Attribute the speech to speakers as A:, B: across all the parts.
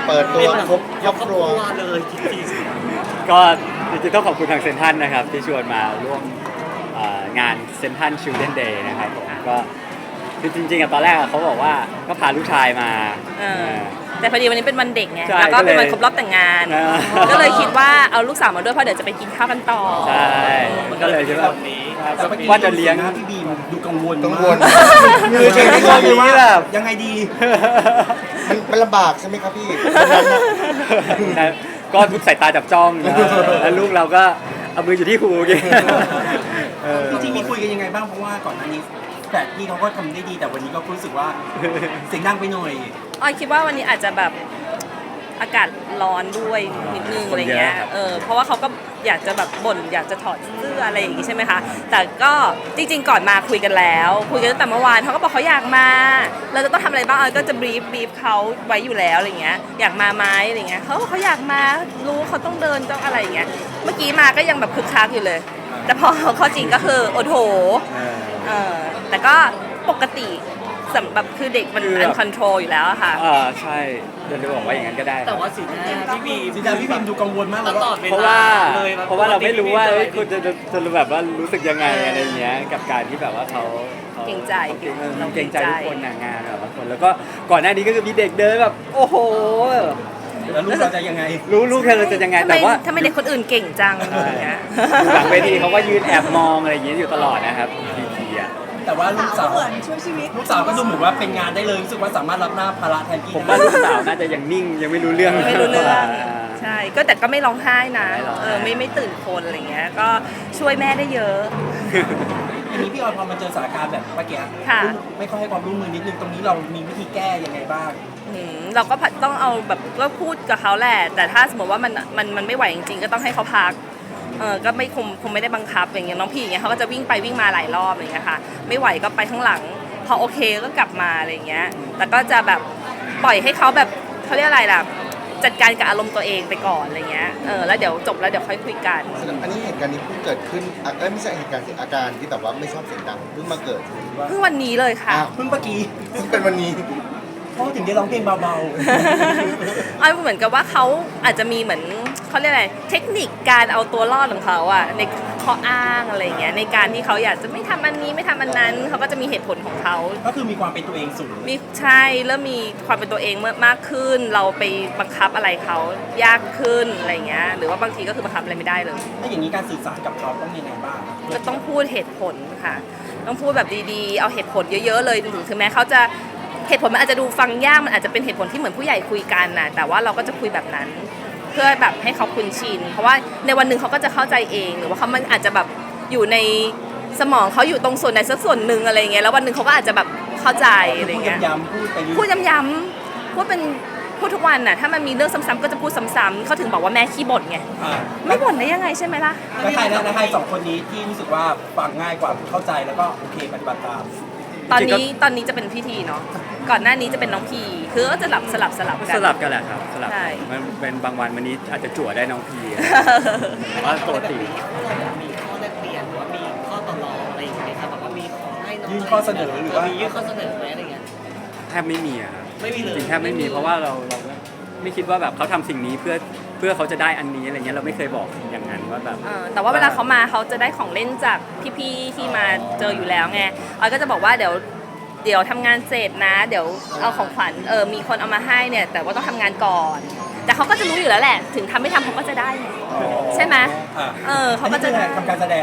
A: เปิดตัวครบครอบครัว
B: เลยจริง
C: ก็จริงๆต้องขอบคุณทางเซนทรัลนะครับที่ชวนมาร่วมงานเซนทรัลชิลเดนเดย์นะครับผมก็คือจริงๆอะตอนแรกอะเขาบอกว่าก็พาลูกชายมา
D: แต่พอดีวันนี้เป็นวันเด็กไง
C: ใช่
D: แล้วก็เป็นวัน
C: ก็เลย
D: ครบรอบแต่งงาน
C: อ่า
D: ก็เลยคิดว่าเอาลูกสาวมาด้วยเพราะเดี๋ยวจะไปกินข้าวกันต่อ
C: ใช่ก็เลยคิดว่า
B: ๆ
C: ว่าจะเลี้ยง
B: พี่บีมดูกังวล
A: กังวล
C: คือช่วงนี้แบบ
B: ยังไงดี
A: มันลำบากใช่ไหมครับพี่
C: นะก็ทุกสายตาจับจ้องนะแล้วลูกเราก็เอามืออยู่ที่หูกิน
B: จริงๆมีคุยกันยังไงบ้างเพราะว่าก่อนหน้านี้แต่พี่เขาก็ทำได้ดีแต่วันนี้ก็รู้สึกว่าเสียงดังไปหน่อย
D: ออยคิดว่าวันนี้อาจจะแบบอากาศร้อนด้วยนิดนึงอะไรเงี้ย เพราะว่าเขาก็อยากจะแบบบ่นอยากจะถอดเสื้ออะไรอย่างงี้ใช่ไหมคะ แต่ก็จริงๆก่อนมาคุยกันแล้ว คุยกันตั้งแต่เมื่อวานเขาก็บอกเขาอยากมา เราจะต้องทำอะไรบ้างออยก็จะบรีฟเขาไว้อยู่แล้วอะไรเงี้ย อยากมาไหมอะไรเงี้ยเขาอยากมา รู้เขาต้องเดินต้องอะไรอย่างเงี้ย เมื่อกี้มาก็ยังแบบคึกคักอยู่เลย แต่พอเขาจริงก็คือโอ้โห แต่ก็ปกติสำหรับคือเด็กมันอันคอนโทรลอยู่แล้วอะค่ะ
C: ใช่เดี๋ยวจะบอกว่าอย่างนั้นก็ได้
E: แต่ว่าสีหน้าพี่บี
B: สีดาพี่บีมดูกังวลมากเลย
E: ตลอ
B: ว่า
E: ดเว
C: เพราะ
E: ลา
C: ว่า
E: เลย
C: เพราะว่าเราไม่รู้ว่าเอ้ยคุณจะแบบว่ารู้สึกยังไงอะไรเงี้ยกับการที่แบบว่าเขา
D: เกรงใจ
C: เราเกรงใจทุกคนงานแบบบางคนแล้วก็ก่อนหน้านี้ก็คือมีเด็กเดินแบบโอ้โห
B: แล้วลูกเราจะยังไง
C: รู้ลูกเธอจะยังไง
D: ทำไม
C: แต่ว่า
D: ทำไมเด็กคนอื่นเก่งจังอย่างเงี้ย
C: หลังเวทีเขาก็ยืนแอบมองอะไรอย่างเงี้ยอยู่ตลอดนะครับทีอ่ะ
B: แต่ว่าลูกสาว
F: เหมือนช่วยชีวิต
B: ลูกสาวก็ดูเหมือนว่าเป็นงานได้เลยรู้สึกว่าสามารถรับหน้าภาระแทนพี่
C: ผมว่าลูกสาวน่าจะยังนิ่งยังไม่รู้เรื่อง
D: ไม่รู้เรื่องใช่ก็แต่ก็ไม่ร้องไห้นะ
C: ไม่ร้องไห้
D: ไม่ตื่นคนอะไรเงี้ยก็ช่วยแม่ได้เยอะ
B: อันนี้พี่ออยพอมาเจอสถานการณ์แบบเมื่อกี้
D: ค่ะ
B: ไม่ค่อยให้ความร่วมมือนิดนึงตรงนี้เรามีวิธีแก้ยังไงบ้าง
D: เราก็ต้องเอาแบบก็พูดกับเขาแหละแต่ถ้าสมมติว่ามันไม่ไหวจริงๆก็ต้องให้เขาพักก็ไม่คงไม่ได้บังคับอย่างเงี้ยน้องพี่อย่างเงี้ยเขาก็จะวิ่งไปวิ่งมาหลายรอบอะไรเงี้ยค่ะไม่ไหวก็ไปข้างหลังพอโอเคก็กลับมาอะไรเงี้ยแต่ก็จะแบบปล่อยให้เขาแบบเขาเรียกอะไรล่ะจัดการกับอารมณ์ตัวเองไปก่อนอะไรเงี้ยแล้วเดี๋ยวจบแล้วเดี๋ยวค่อยคุยกัน
A: อันนี้เหตุการณ์นี้เพิ่งเกิดขึ้นไม่ใช่เหตุการณ์สิอาการที่แบบว่าไม่ชอบเสียงดังเพิ่งมาเกิด
D: เพิ่งวันนี้เลยค่ะ
A: อ้าว
B: เพิ่งเมื่อกี้
A: ซึ่งเป็นวันนี้
B: พ่อถึงได้ร้องเพลงเบา
D: อ้อยเหมือนกับว่าเขาอาจจะมีเหมือนเขาเรียกอะไรเทคนิคการเอาตัวรอดของเขาอะในข้ออ้างอะไรอย่างเงี้ยในการที่เขาอยากจะไม่ทำอันนี้ไม่ทำอันนั้นเขาก็จะมีเหตุผลของเขา
B: ๆก็คือมีความเป็นตัวเองสูง
D: มีใช่เริ่มมีความเป็นตัวเองมากขึ้น เราไปบังคับอะไรเขายากขึ้นอะไรเงี้ยหรือว่าบางทีก็คือบังคับอะไรไม่ได้เลย
B: ถ้าอย่างนี้การสื่อสารกับเขาต้องยังไงบ้าง
D: ก็ต้องพูดเหตุผลค่ะ ต้องพูดแบบดีๆ เอาเหตุผลเยอะๆเลยถึงแม้เขาจะเหตุผลมันอาจจะดูฟังยากมันอาจจะเป็นเหตุผลที่เหมือนผู้ใหญ่คุยกันนะแต่ว่าเราก็จะคุยแบบนั้น เพื่อแบบให้เขาคุ้นชินเพราะว่าในวันหนึ่งเขาก็จะเข้าใจเองหรือว่าเขามันอาจจะแบบอยู่ในสมองเขาอยู่ตรงส่วนไหนสักส่วนหนึ่งอะไรเงี้ยแล้ววันหนึ่งเขาก็อาจจะแบบเข้าใจอะไร
B: พูด
D: เงี้ย
B: ย้ำๆพูดไปเรื่อย
D: พูดย้ำๆพูดทุกวันน่ะถ้ามันมีเรื่องซ้ำๆก็จะพูดซ้ำๆเขาถึงบอกว่าแม่ขี้บ่นไง ไม่บ่นได้ยังไงใช่ไหมล่ะ
B: แล้วใครสองคนนี้ที่รู้สึกว่าฟังง่ายกว่าเข้าใจแล้วก็โอเคปฏิบัติตาม
D: ตอนนี้จะเป็นพิธีเนาะก่อนหน้านี้จะเป็นน้องพีคือก็จะสลับกัน
C: สลับกันแหละครับสลับ
D: ใช่
C: มันเป็นบางวันวันนี้อาจจะจั่วได้น้องพีแต่ว่าปกติ
E: มีข้อแลกเปลี่ยนหรือว่ามีข้อต่อรองอะไรอย่างเงี้ยครับแบบว่ามีขอให้น้อง
B: ยื่นข้อเสนอหรือว่า
E: มียื่นข้อเสนอไหมอะไรเงี้ย
C: แทบไม่มีอะครับ
E: ไม่มีเลย
C: จริงๆแทบไม่มีเพราะว่าเราไม่คิดว่าแบบเขาทำสิ่งนี้เพื่อเขาจะได้อันนี้อะไรเงี้ยเราไม่เคยบอกอย่างนั้นว่าแบบ
D: แต่ว่าเวลาเขามาเขาจะได้ของเล่นจากพี่ๆที่มาเจออยู่แล้วไงออยก็จะบอกว่าเดี๋ยวทำงานเสร็จนะ เดี๋ยวเอาของขวัญมีคนเอามาให้เนี่ยแต่ว่าต้องทำงานก่อน แต่เขาก็จะรู้อยู่แล้วแหละ ถึงทำไม่ทำเขาก็จะได้ไงใช่ไหมเขาก็จะ
B: ทำการแสดง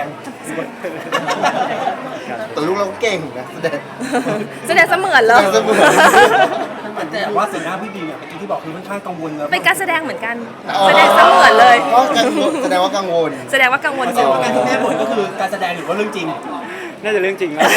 A: แต่ลูกเราเก่งนะแสดง
D: แสดงเสมือนเลย
A: เสมือน
B: แต่ว่าสีหน้าพี่บีเนี่ยเมื่อกี้ที่บอกคือค่อนข้างกังวลแล้ว
D: เป็นการแสดงเหมือนกัน แสดงเสมือนเลย
A: ก็แสดงว่ากังวล
D: แสดงว่ากังวลอ
B: แสดง
D: ยู่
B: ว่าการที่แม่บ่นก็คือการแสดงหรือว่าเรื่องจริง
C: น่าจะเรื่องจริงแล้ว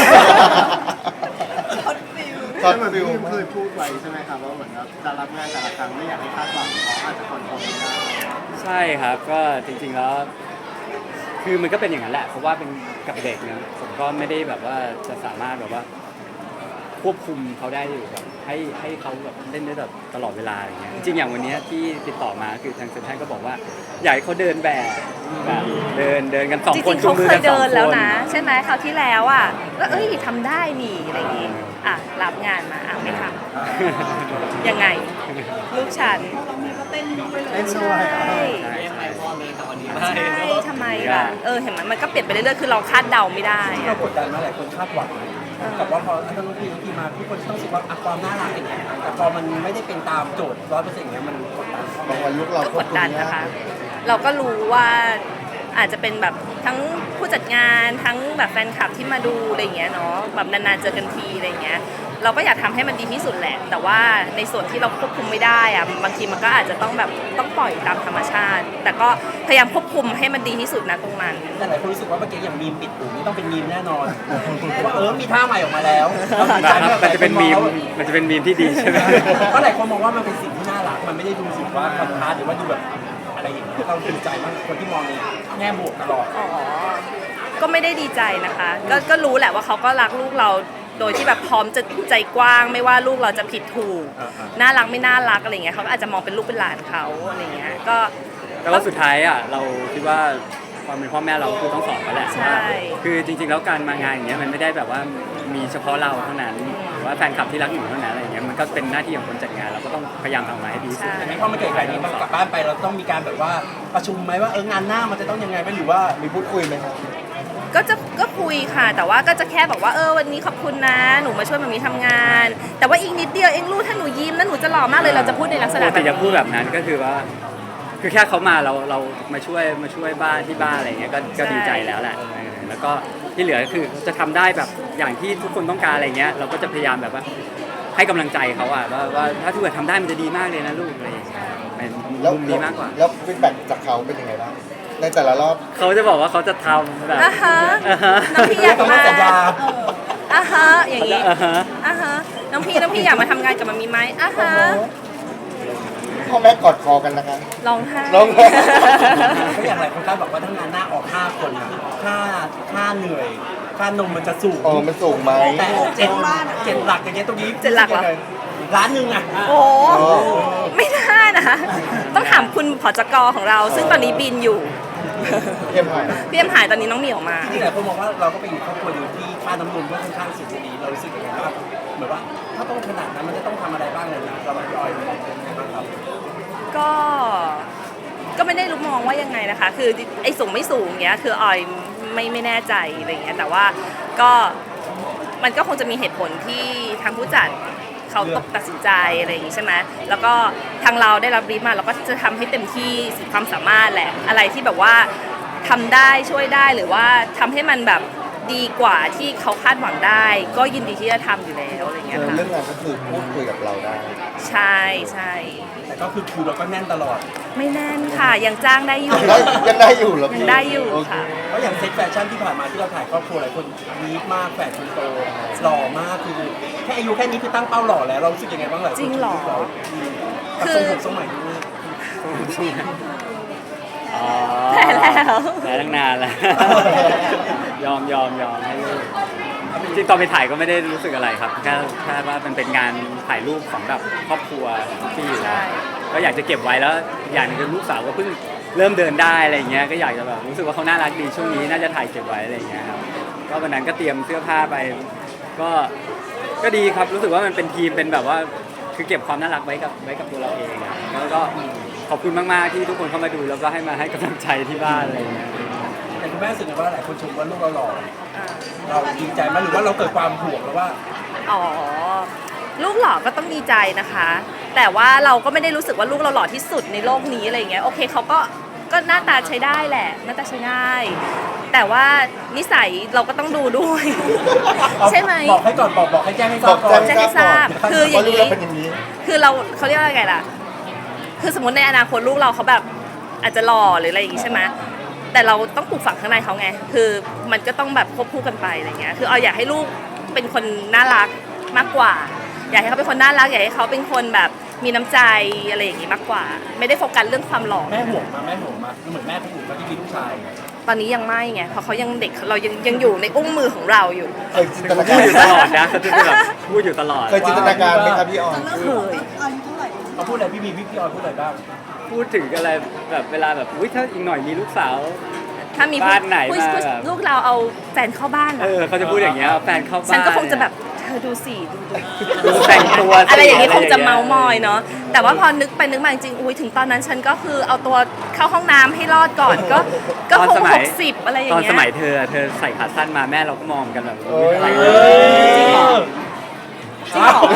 A: ช็อตฟิล
G: เคยพูดไว้ใช่ไหมครับว่าเหมือนกับจะรับงานแต่ละครั้งไม่อยากให้คาดหวังเพราะอาจจะคอนโทรลไม่ได้
C: ใช่ครับก็จริงๆแล้วคือมันก็เป็นอย่างนั้นแหละเพราะว่าเป็นกับเด็กนะผมก็ไม่ได้แบบว่าจะสามารถแบบว่าควบคุมเขาได้อยู่แบบให้เขาแบบเล่นได้แบบตลอดเวลาอย่างเงี้ยจริงๆอย่างวันเนี้ยที่ติดต่อมาคือทางเซ็นทรัลก็บอกว่าอยากให้เขาเดินแบบเดินกันสอง
D: จ
C: คน
D: ริงๆ
C: จู
D: เขา
C: งมือ
D: เค
C: กั
D: ย
C: นสอง
D: เดิ
C: คน
D: แล้วนะ ใช่ไหมคราวที่แล้วอ่ะก็ทำได้นี่อะไรอย่างงี้รับงานมาไม่ทำยังไงลูกฉัน
G: เต้นด้ว
D: ใช่
G: ย
E: ยังไงพอเลยแต่วันนี้
D: ใช่ทำไมล่ะเห็นไหมมันก็เปลี่ยนไปเรื่อยๆคือเราคาดเดาไม่ได้
B: ที่
D: อะ
B: เรากดดันมาหลายคนคาดหวังกับว่าพอถ้าน้องพีมาทุกคนต้องรู้สึกว่าความน่ารักอย่างเงี้ยแต่พอมันไม่ได้เป็นตามโจทย์100%อย่างเงี้ยมันกดดัน
A: บางวันลูกเรา
D: ก็
A: คว
D: ก
A: บ
D: ด
A: คุม
D: ดัน
A: ไม่
D: นะคะ
A: ได้
D: เราก็รู้ว่าอาจจะเป็นแบบทั้งผู้จัดงานทั้งแบบแฟนคลับที่มาดูอะไรอย่างเงี้ยเนาะแบบนานๆเจอกันทีอะไรอย่างเงี้ยเราก็อยากทำให้มันดีที่สุดแหละ แต่ว่าในส่วนที่เราควบคุมไม่ได้อะบางทีมันก็อาจจะต้องแบบต้องปล่อยตามธรรมชาติ แต่ก็พยายามควบคุมให้มันดีที่สุดนะตรงนั้น
B: แต่หลายคนรู้สึกว่าเมื่อกี้อย่างมีมปิดหูนี่ต้องเป็นมีมแน่นอนว่ามีท่าใหม่ออกมาแล้ว
C: มันจะเป็นมีมที่ดีใช่ไหม
B: ก็หลายคนมองว่ามันเป็นสิ่งที่น่ารักมันไม่ได้ดูสึกว่าคอนทราสต์หรือว่าดูแบบอะไรอย่างเงี้ยเราดีใจมากคนที่มองในแง่บวกตลอด
D: อ๋อ ก็ไม่ได้ดีใจนะคะ ก็รู้แหละว่าเขาก็รักลูกเรา โดยที่แบบพร้อมจะใจกว้างไม่ว่าลูกเราจะผิดถูก น่ารักไม่น่ารักอะไรเงี้ยเขาก็อาจจะมองเป็นลูกเป็นหลานเขาอะไรเงี้ย ก็
C: แต่ว่าสุดท้ายอ่ะเราคิดว่าความเป็นพ่อแม่เราคือต้องสอนเขาแหละ
D: ใช่
C: ว่าคือจริงๆแล้วการมางานอย่างเงี้ยมันไม่ได้แบบว่ามีเฉพาะเราเท่านั้นหรือว่าแฟนคลับที่รักอยู่เท่านั้นอะไรอย่างเงี้ยมันก็เป็นหน้าที่ของคนจัดงานเราก็ต้องพยายามทำออกมาให้ดีที่สุด
D: ใช่
B: อันนี้พอมันเกิดแบบนี้กลับบ้านไปเราต้องมีการแบบว่าประชุมไหมว่างานหน้ามันจะต้องยังไงไหมหรือว่า
A: มีพูดคุยไหมครับ
D: ก็คุยค่ะ แต่ว่าก็จะแค่บอกว่าวันนี้ขอบคุณนะหนูมาช่วยมามีทำงาน แต่ว่าอีกนิดเดียวเองลูกถ้าหนูยิ้มแล้วหนูจะหล่อมากเลยเราจะพูดในลักษณะ
C: ปก
D: แบบ
C: ติจะพูด
D: นี้
C: แบบนั้นก็คือว่า คือแค่เขามาเรามาช่วยบ้านที่บ้านอะไรเงี้ยก็ดีใจแล้วแหละแล้วก็ที่เหลือคือจะทำได้แบบอย่างที่ทุกคนต้องการอะไรเงี้ยเราก็จะพยายามแบบว่าให้กำลังใจเขาอะว่าถ้าทุกคนทำได้มันจะดีมากเลยนะลูกอะไรอย่างเงี้ยเป็น
A: แล้ว
C: มุมดีมากกว่า
A: แล้วฟีดแบ็กจากเขาเป็นยังไงบ้างในแต่ละรอบ
C: เขาจะบอกว่าเขาจะทำแบบ
D: อ่ะฮะ
C: อ่าฮะ
D: น้องพี่อยาก
B: ต้อง
D: มา
B: สัญญา
D: อ่ะฮะอย่างนี้
C: อ่าฮะ
D: อ่ะฮะน้องพี่อยากมาทำงานกับมามีไหมอ่ะฮะ
A: พ่อแม่กอดคอกันนะคะ
D: ร้องไห้
A: ร้องไห้
B: ก็อย่างไรคนคาดบอกว่าถ้างานหน้าออก5คนอะค่าเหนื่อยค่านมมันจะสูง
A: มันสูงไหม
B: แต่เจ็ดหลักอย่างเงี้ยตรงนี้
D: เจ็ดหลักเหรอ
B: ล้านหนึ่งอะ
D: โอ้ไม่ได้นะ ต้องถามคุณผจกของเรา ซึ่งตอนนี้บินอยู่
A: เยี่ยมหาย
D: พี่เอ็มหายตอนนี้น้องเหมียวมา
B: จริงๆหลายคนมองว่าเราก็เป็นครอบครัวหนึ่งที่ค่าน้ำนมก็ค่อนข้างสูงดีเรารู้สึกยังไงบ้างเหมือนว่าถ้าต้องขนาดนั้นมันจะต้องทำอะไรบ้างเลยนะเราพี่ออยเป็นยังไงบ้างครับ
D: ก็ไม่ได้รู้มองว่ายังไงนะคะ คือไอ้สูงไม่สูงเนี้ยคือออยไม่แน่ใจอะไรเงี้ยแต่ว่าก็มันก็คงจะมีเหตุผลที่ทางผู้จัดเขาตกตัดสินใจอะไรอย่างงี้ใช่ไหมแล้วก็ทางเราได้รับบรีฟมาเราก็จะทำให้เต็มที่สุดความสามารถแหละอะไรที่แบบว่าทำได้ช่วยได้หรือว่าทำให้มันแบบดีกว่าที่เขาคาดหวังได้ ก็ยินดีที่จะทำอยู่แล้วอะไรเงี้ยค่ะ
A: เรื่องงานก็คือพูดคุยกับเราได้
D: ใช่ใช่
B: แต่ก็คือคิวเราก็แน่นตลอด
D: ไม่แน่นค่ะยังจ้างได้อยู่
A: ยังได้อยู่เหรอ
D: ยัง
A: พี่
D: ได้อยู่ค่ะ
B: เพราะอย่างเซ็ตแฟชั่นที่ผ่านมาที่เราถ่ายครอบครัวหลายคนนีดมากแฝดคนโตหล่อมากคือแค่อายุแค่นี้คือตั้งเป้าหล่อแล้วเรารู้สึกยังไงบ้างหลายคน
D: จริงเหรอ
B: กับ
D: คือ
B: ทรงผมทรงใหม่ด้วย
C: อ๋อ
D: แพ้แล้ว
C: แพ้ตั้งนานแล้ว ยอมให้ลูกจริงๆตอนไปถ่ายก็ไม่ได้รู้สึกอะไรครับแค่ว่ามันเป็นงานถ่ายรูปของแบบครอบครัวที่อยู่แล้วก็อยากจะเก็บไว้แล้วอย่างหนึงคือลูกสาวก็เพิ่งเริ่มเดินได้อะไรเงี้ยก็อยากจะแบบรู้สึกว่าเขาน่ารักดีช่วงนี้น่าจะถ่ายเก็บไว้อะไรเงี้ยครับก็วันนั้นก็เตรียมเสื้อผ้าไปก็ดีครับรู้สึกว่ามันเป็นทีมเป็นแบบว่าคือเก็บความน่ารักไว้กับตัวเราเองอะแล้วก็ขอบคุณมากๆที่ทุกคนเข้ามาดูแล้วก็ให้มาให้กำลังใจที่บ้านอะไรเงี้ย
B: แต่คุณแม่รู้สึกไงว่าหลายคนชมว่าลูกเราหล่อ
D: อ่า
B: เราดีใจไหมหรือว่าเราเกิดความห่วงแล้วว่า
D: อ๋อลูกหล่อก็ต้องดีใจนะคะ แต่ว่าเราก็ไม่ได้รู้สึกว่าลูกเราหล่อที่สุดในโลกนี้อะไรเงี้ยโอเคเขาก็หน้าตาใช้ได้แหละหน้าตาใช้ได้แต่ว่านิสัยเราก็ต้องดูด้วย ใช่ไหม
B: บอกให้ก่อนบอกให้แจ้งให้ทราบก่อน
D: แจ้งให้ทราบคืออย่างนี้
A: นี้เป็นอย่างนี้
D: คือเขาเรียกว่าอะไรล่ะ คือสมมติในอนาคตลูกเราเขาแบบอาจจะหล่อหรืออะไรอย่างงี้ใช่ไหมแต่เราต้องปลูกฝังข้างในเขาไง คือมันก็ต้องแบบควบคู่กันไปอะไรเงี้ย คือเอาอยากให้ลูกเป็นคนน่ารักมากกว่า อยากให้เขาเป็นคนน่ารัก อยากให้เขาเป็นคนแบบมีน้ำใจอะไรอย่างงี้มากกว่า ไม่ได้โฟกัสเรื่องความหล่อ
B: แม่ห่วงมาเหมือนแม่คนอื่นเขาที่มีลูกชาย
D: ตอนนี้ยังไม่ไง เพราะเขายังเด็ก เรายังอยู่ในอุ้งมือของเราอยู่
A: เคยจินตนา
C: พู
A: การ
C: ดอยู่ตลอดนะเขาจะแบบพูดอยู่ตลอด
A: เคยจินตนาการไหมครับพี่ออน
D: เคย
B: เขาพูดอะไรพี่ออยพูดอะไรบ้าง
C: พูดถึงอะไรแบบเวลาแบบอุ้ยถ้าอีกหน่อยมีลูกสาว
D: ถ้ามี
C: บ้านไหน
D: ผู้
C: มาแบบ
D: ลูกเราเอาแฟนเข้าบ้านเหรอ
C: เขาจะพูดอย่างเงี้ยเอาแฟนเข้าบ้าน
D: ฉันก็คงจะแบบเธออดูสิดู
C: ดูแต่งตัวสิ
D: อะไรอย่างนี้คงจะเมา
C: อะไรอย่างเงี้ย
D: มอยเนาะแต่ว่าพอนึกไปนึกมาจริงๆอุ้ยถึงตอนนั้นฉันก็คือเอาตัวเข้าห้องน้ำให้รอดก่อนก็คง60อะไรอย่า
C: ต
D: ง
C: อน
D: เงี้ย
C: สมัยเธอใส่ขาสั้นมาแม่เราก็มองกันแบบ
A: โอ้ย
C: อะไร
D: จริงเหรอ จริงเหรอ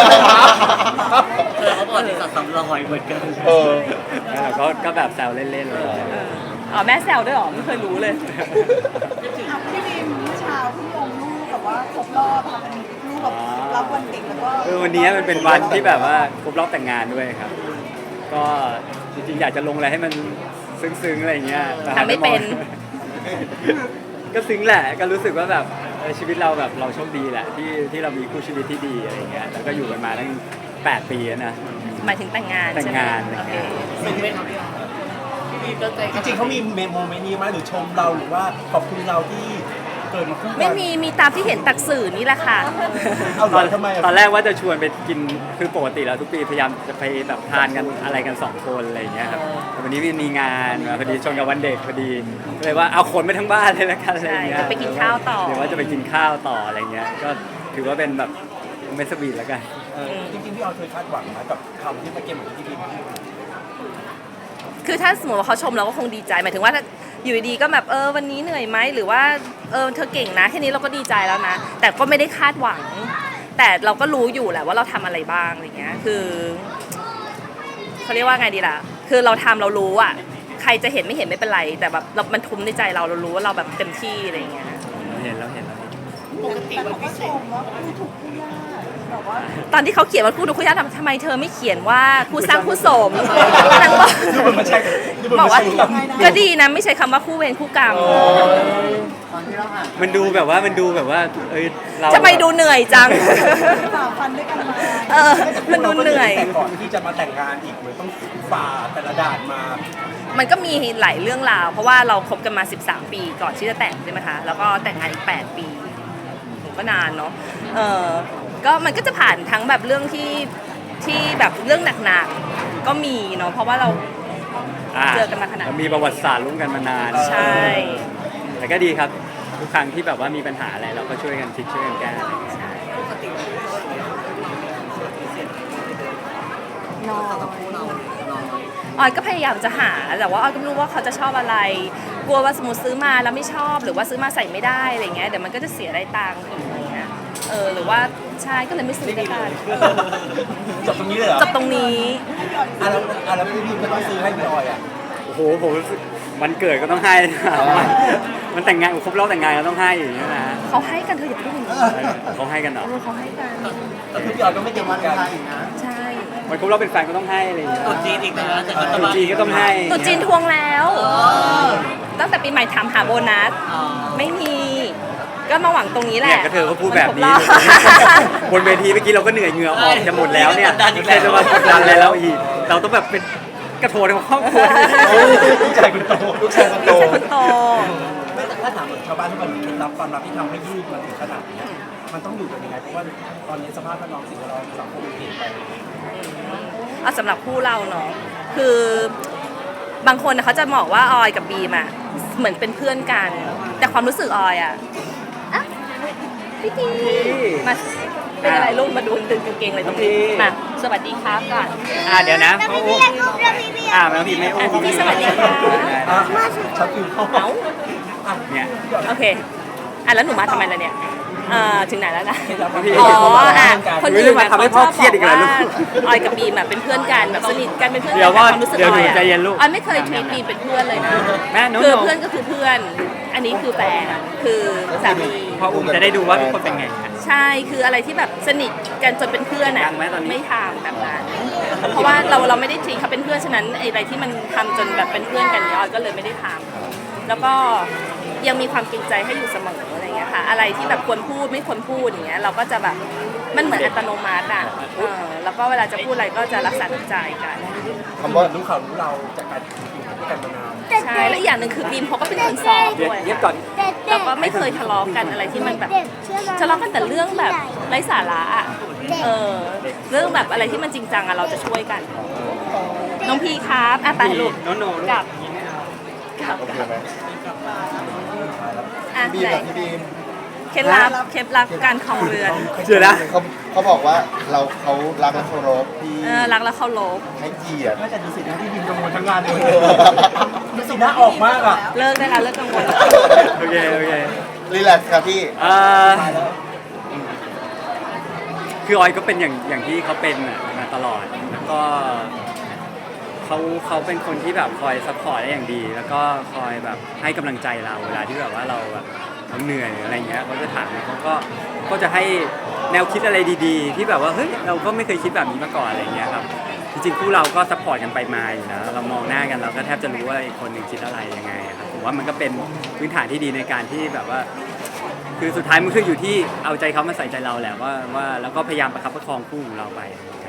E: เขาบอกที่สัตว์สำรอยเหมือนกัน
A: เออ
C: ก็แบบแซวเล่นๆเลย
D: อ๋อแม่แซวด้วยเหรอไม่เคยรู้เลย
F: พี่บีมเมื่อเช้าเพิ่งลงรูปแบบว่าครบรอบค่ะเป็นรูปแบบรับวันเด็กแล้วก็
C: วันนี้มันเป็นวันที่แบบว่าครบรอบแต่งงานด้วยครับ ก็จริงๆอยากจะลงอะไรให้มันซึ้งๆอะไรอย่างเงี้ยแต่
D: ทำไม่เป็น
C: ก็ซึ้งแหละก็รู้สึกว่าแบบชีวิตเราแบบเราโชคดีแหละที่เรามีคู่ชีวิตที่ดีอะไรอย่างเงี้ยแล้วก็อยู่กันมาตั้ง8 ปีแล้วนะ
D: หมายถึงแต่งงาน
C: แต่ง
D: ใช่ไหม
C: งาน
D: โอเค
E: ซึ้งไหมครับพี่ออยพี่บีมก็ใจ
B: จริงๆเขามีโมเมนต์นี้ไหมหรือชมเราหรือว่าขอบคุณเราที่เกิดมาคู่กัน
D: ไม่มีตามที่เห็นตักสื่อนี่แหละค่ะ
B: เอาเหรอทำไมอะ
C: ตอนแรกว่าจะชวนไปกินคือปกติแล้วทุกปีพยายามจะไปแบบทานกันอะไรกัน2 คนอะไรอย่างเงี้ยครับแต่วันนี้มีงานมาพอดีชนกับวันเด็กพอดีก็เลยว่าเอาคนไปทั้งบ้านเลยละกันอะไรอย่างเงี้ย
D: ใช่จะไปกินข้าวต่อ
C: เดี๋ยวว่าจะไปกินข้าวต่ออะไรเงี้ยก็ถือว่าเป็นแบบเมสบีทแล้วกัน
B: จริงๆพี่ออยเคยคาดหวังไหมกับคำที่เมื่อกี้เหมือนที่พี่บีมพูด
D: คือถ้าสมมติว่าเขาชมเราก็คงดีใจหมายถึงว่าถ้าอยู่ดีๆก็แบบวันนี้เหนื่อยไหมหรือว่าเธอเก่งนะแค่นี้เราก็ดีใจแล้วนะ แต่ก็ไม่ได้คาดหวัง แต่เราก็รู้อยู่แหละว่าเราทำอะไรบ้างอะไรเงี้ยคือเขาเรียกว่าไงดีล่ะ คือเราทำเรารู้อ่ะใครจะเห็นไม่เห็นไม่เป็นไร แต่แบบมันทุ้มในใจเรารู้ว่าเราแบบเต็มที่อะไรเงี้ย
C: เห็นแล้ว
E: ปกติวันพิเศษ
F: ว่าคู่ถูกคู่ยากแบบว่า
D: ตอนที่เขาเขียนว่าคู่ดูคู่ยากทำไมเธอไม่เขียนว่าคู่สร้างคู่สมนางบอก
B: ดูเหมือนมันใช่ดูเหมือน
D: บอก
B: มัน
D: ว่า
B: ใช่ครับ
D: ก็ดีนะไม่ใช้คำว่าคู่เวรคู่กรรม
G: ตอนที่เราอ่าน
C: มันดูแบบว่าเรา
D: จะไปดูเหนื่อยจัง
F: ฝ่าฟันด้วยกันมา
D: มันดูเหนื่อย
B: แต่ก่อนที่จะมาแต่งงานอีกเหมือนต้องฝ่าแต่ละด่านมา
D: มันก็มีหลายเรื่องราว เพราะว่าเราคบกันมา 13 ปีก่อนที่จะแต่งใช่ไหมคะ แล้วก็แต่งงานอีก 8 ปีก็นานเนาะก็มันก็จะผ่านทั้งแบบเรื่องที่แบบเรื่องหนักๆ ก็มีเนาะ เพราะว่าเรา เจอกันมาขนาดนั้น
C: มีประวัติศาสตร์ร่วมกันมานาน
D: ใช่
C: แต่ก็ดีครับทุกครั้งที่แบบว่ามีปัญหาอะไรเราก็ช่วยกันคิดช่วยกันแก้อะไรอย่างเงี้ย
D: น้อย
E: คู่เราน้อย
D: ออยก็พยายามจะหา แต่ว่าออยก็ไม่รู้ว่าเขาจะชอบอะไร กลัวว่าสมมติซื้อมาแล้วไม่ชอบ หรือว่าซื้อมาใส่ไม่ได้อะไรเงี้ย เดี๋ยวมันก็จะเสียรายตังค์อีกอะไรเงี้ย หรือว่าใช่ก็เลยไม่ซื้อด้วยกัน
B: จบตรงนี้เลยเหรอ
D: จบตรงนี้
B: แล้วพี่บีมก็ต้องซื้อให้พี่ออยอ่ะ
C: โอ้โหผมรู้สึกวันเกิดก็ต้องให้นะมันแต่งงานครบรอบแต่งงานก็ต้องให้อย่างเงี้ยนะ
D: เขาให้กันเธออย่าพูดอย่างนี้
C: เขาให้กันเหรอ
D: เขาให้กัน
B: แต่พี่ออยก็ไม่เก็บ
G: วั
B: วัน นกัน
G: ไทยอีกนะ
D: ใช่
C: วันครบรอบเป็นแฟนก็ต้องให้อะไรอย่างเงี้ย
E: ตุ๊จีนอีกนะแต่ก็
C: ตุ๊จีนก็ต้องให้
D: ตุ๊จีนทวงแล้ว ตั้งแต่ปีใหม่ถามหาโบนัส ไม่มี ก็มาหวังตรงนี้แห
C: เนี่ย
D: ละ
C: ก็เธอก็พูดแบบนี้
D: มันครบรอบ
C: บนเวทีเมื่อกี้เราก็เหนื่อยเหงื่อออกจะหมดแล้วเนี่ยใครจะมากดดันอะไรแล้วอีกเราต้องแบบเป็นกระโถนของครอบครัว
B: ลูกชายคนโต
A: ลูกชายคนโต
D: ไม่ใช่คนโต
B: ไม่แต่ถ้าถามชาวบ้านทุกคนเคล็ดลับความลับที่ทำให้ยืดมาถึงขนาดนี้มันต้องอยู่กันยังไงเพราะว่าตอนนี้สภาพแวดล้อมสิ่งแวดล้อมสังคมเปลี่ยนไป
D: เอาสำหรับคู่เราเนาะคือบางคนน่ะเขาจะบอกว่าออยกับบีมอะเหมือนเป็นเพื่อนกัน แต่ความรู้สึกออยอะพี่ทีมาเป็นอะไรลูกมาดูดึงกางเกงเลยตรงนี้มาสวัสดีครับก่อน
C: เดี๋ยวนะเขาอุ้มแมวพี่ไม่อุ้ม
D: พี่สวัสดีค่ะ
B: ชักอยู่เข้า
D: เอา
C: เนี่ย
D: โอเคแล้วหนูมาทำไมล่ะเนี่ยถึงไหนแล้วนะ
C: พี่
D: อ๋อคนอื่น
C: มาทำให้พ่อเครียดอีกแล้วลูก
D: ออยกับบีมอะเป็นเพื่อนกันแบบสนิทกันเป็นเพื่อน
C: เดี๋
D: กั
C: ยวพ่อ
D: ความรู้สึก
C: เดี๋ยว
D: อ
C: หนู
D: อยอะ
C: ใจเย็นลูก
D: ออยไม่เคยทีบีมเป็นเพื่อนเลยนะ
C: แม่หนู
D: คือเพื่อนก็คือเพื่อน อันนี้คือแฟนคือสามี
C: พ่ออุ้มจะได้ดูว่าทุกคนเป็นไง
D: ใช่คืออะไรที่แบบสนิทกันจนเป็นเพื่อน
C: ยั
D: อ่ะ
C: งไหมตอนนี้
D: ไม่ทำแบบนั้นเพราะว่าเราไม่ได้ทีเขาเป็นเพื่อนฉะนั้นไอ้อะไรที่มันทำจนแบบเป็นเพื่อนกันเนี่ยออยก็เลยไม่ได้ทำแล้วก็ยังมีความเกรงใจให้อยู่เสมออะไรอย่างเงี้ยค่ะอะไรที่แบบควรพูดไม่ควรพูดอย่างเงี้ยเราก็จะแบบมันเหมือนอัตโนมัติอ่ะแล้วก็เวลาจะพูดอะไรก็จะรักษาน้ำใจกัน
B: คำว่ารู้ข่าวรู้เราจากการอยู่ด้วยกันมานาน
D: ใช่และอีกอย่างหนึ่งคือบีมเขาก็เป็นคนซอฟต์ด้วย
C: เย็บก่อน
D: แล้วก็ไม่เคยทะเลาะกันอะไรที่มันแบบทะเลาะกันแต่เรื่องแบบไร้สาระอ่ะเรื่องแบบอะไรที่มันจริงจังอ่ะเราจะช่วยกัน น้องพีครับไปลูก
C: โน้โน้ลูก
D: กลับกลับ
A: โอเคไหม
D: อ่ะ
A: บีม
D: ไหน
A: กับพี่บีม
D: เคล็ดลับการครองเรือน
C: เดี๋ยวนะ
A: เขาบอกว่าเขารักและเคารพพี่
D: รักแล้วเคารพ
A: ให้เกียรติ
B: น่าจะดูสินะที่บินกังวลทั้งงานเลยดูสิหน้าออกมากอ่ะ
D: เลิกได้แล้วเลิกกังวล
C: โอเคโอเค
A: รีแลกซ์ครับพี่
C: เอ่อคือออยก็เป็นอย่างที่เขาเป็นมาตลอด แล้วก็เขาเป็นคนที่แบบคอยซัพพอร์ตได้อย่างดี แล้วก็คอยแบบให้กำลังใจเราเวลาที่แบบว่าเราแบบเราเหนื่อยหรืออะไรเงี้ยเขาจะถามเขาก็จะให้แนวคิดอะไรดีๆ ที่แบบว่าเฮ้ยเราก็ไม่เคยคิดแบบนี้มาก่อนอะไรเงี้ยครับจริงๆคู่เราก็ซัพพอร์ตกันไปมาอยู่นะเรามองหน้ากันเราก็แทบจะรู้ว่าอีกคนหนึ่งคิดอะไรยังไงครับผมว่ามันก็เป็นพื้นฐานที่ดีในการที่แบบว่า คือสุดท้ายมันคืออยู่ที่เอาใจเขามาใส่ใจเราแหละว่าแล้วก็พยายามประคับประคองคู่ของเราไป